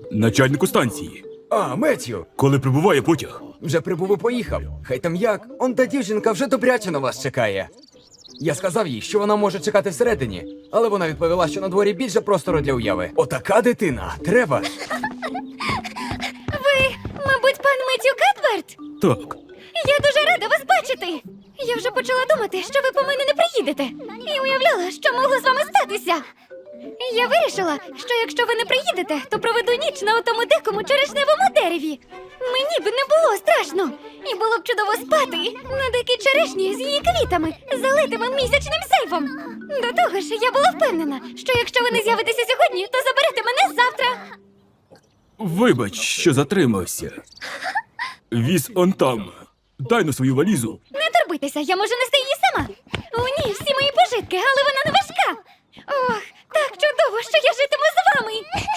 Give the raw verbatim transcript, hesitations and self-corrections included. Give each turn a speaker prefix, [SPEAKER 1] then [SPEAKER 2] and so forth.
[SPEAKER 1] Начальнику станції.
[SPEAKER 2] А, Меттю,
[SPEAKER 1] Коли прибуває потяг?
[SPEAKER 2] вже прибув і поїхав. Хай там як, он та дівчинка вже добряче на вас чекає. Я сказав їй, що вона може чекати всередині, але вона відповіла, що на дворі більше простору для уяви. Отака дитина, треба.
[SPEAKER 3] Ви, мабуть, пан Меттю Кетверт?
[SPEAKER 1] Так.
[SPEAKER 3] Я дуже рада вас бачити. Я вже почала думати, що ви по мене не приїдете. І уявляла, що могло з вами статися. Я вирішила, що якщо ви не приїдете, то проведу ніч на отому дикому черешневому дереві. Мені б не було страшно. І було б чудово спати на дикій черешні з її квітами, залитими місячним сейфом. До того ж, я була впевнена, що якщо ви не з'явитеся сьогодні, то заберете мене завтра.
[SPEAKER 1] Вибач, що затримався. Віз он там. Дай на свою валізу.
[SPEAKER 3] Не турбуйтеся, я можу нести її сама. У ній всі мої пожитки, але вона не важка. Ох, так чудово, що я житиму з вами.